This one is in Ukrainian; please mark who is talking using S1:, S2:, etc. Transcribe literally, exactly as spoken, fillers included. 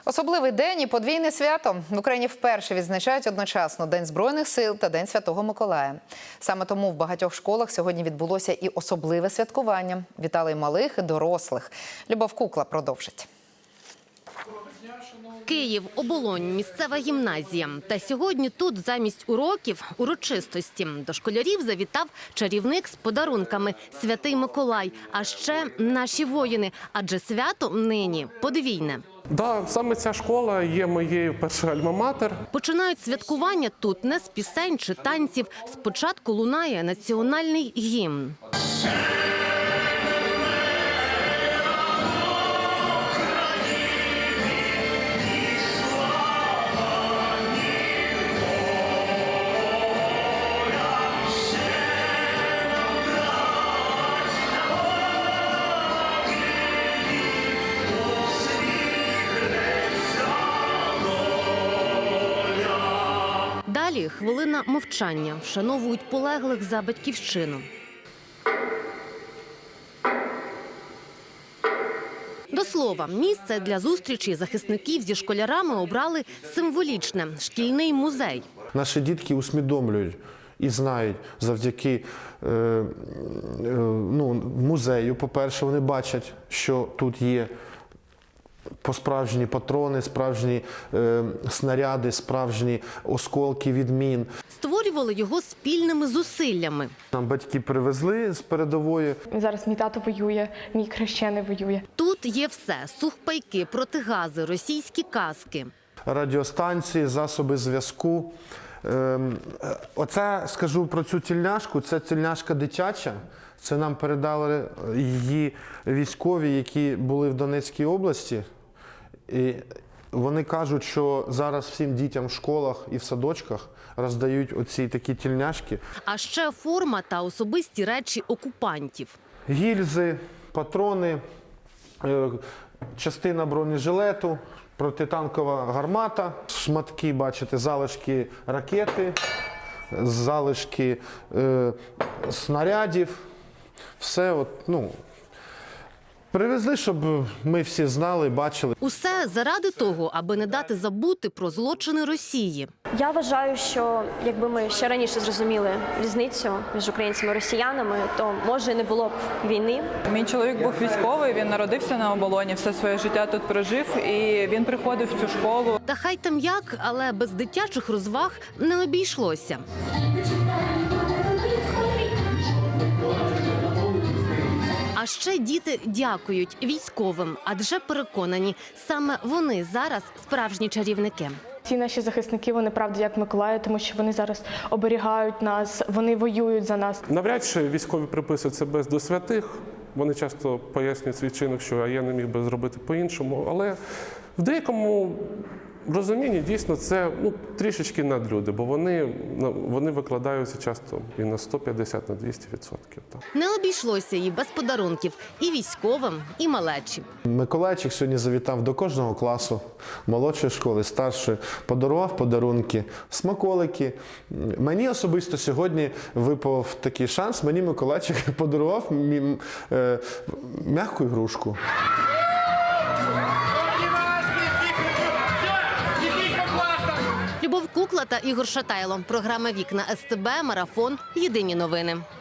S1: Особливий день і подвійне свято. В Україні вперше відзначають одночасно День Збройних сил та День Святого Миколая. Саме тому в багатьох школах сьогодні відбулося і особливе святкування. Вітали й малих, і дорослих. Любов Кукла продовжить.
S2: Київ, Оболонь, місцева гімназія. Та сьогодні тут замість уроків – урочистості. До школярів завітав чарівник з подарунками – Святий Миколай. А ще наші воїни, адже свято нині подвійне.
S3: Да, саме ця школа є моєю першою альма-матер.
S2: Починають святкування тут не з пісень чи танців. Спочатку лунає національний гімн. Далі хвилина мовчання. Вшановують полеглих за батьківщину. До слова, місце для зустрічі захисників зі школярами обрали символічне – шкільний музей.
S4: Наші дітки усвідомлюють і знають завдяки е, е, ну, музею, по-перше, вони бачать, що тут є справжні патрони, справжні е, снаряди, справжні осколки від мін.
S2: Створювали його спільними зусиллями.
S4: Нам батьки привезли з передової.
S5: Зараз мій тато воює, мій хрещений воює.
S2: Тут є все – сухпайки, протигази, російські каски.
S4: Радіостанції, засоби зв'язку. Е, оце, скажу про цю тільняшку, це тільняшка дитяча. Це нам передали її військові, які були в Донецькій області. І вони кажуть, що зараз всім дітям в школах і в садочках роздають оці такі тільняшки.
S2: А ще форма та особисті речі окупантів.
S4: Гільзи, патрони, частина бронежилету, протитанкова гармата, шматки, бачите, залишки ракети, залишки е, снарядів. Все, от, ну, привезли, щоб ми всі знали, бачили.
S2: Усе заради того, аби не дати забути про злочини Росії.
S6: Я вважаю, що якби ми ще раніше зрозуміли різницю між українцями і росіянами, то, може, не було б війни.
S7: Мій чоловік був військовий, він народився на Оболоні, все своє життя тут прожив, і він приходив в цю школу.
S2: Та хай там як, але без дитячих розваг не обійшлося. А ще діти дякують військовим, адже переконані, саме вони зараз справжні чарівники.
S5: Ці наші захисники, вони правда як Миколаї, тому що вони зараз оберігають нас, вони воюють за нас.
S3: Навряд чи військові приписують себе до святих. Вони часто пояснюють свій вчинок, що я не міг би зробити по-іншому. Але в деякому розумінні дійсно це ну, трішечки надлюди, бо вони, вони викладаються часто і на сто п'ятдесят, на двісті відсотків.
S2: Не обійшлося і без подарунків і військовим, і малечі.
S4: Миколайчик сьогодні завітав до кожного класу, молодшої школи, старшої, подарував подарунки, смаколики. Мені особисто сьогодні випав такий шанс, мені Миколайчик подарував е, м'яку ігрушку.
S2: Любов Кукла та Ігор Шатайло. Програма «Вікна ес те бе», марафон. Єдині новини.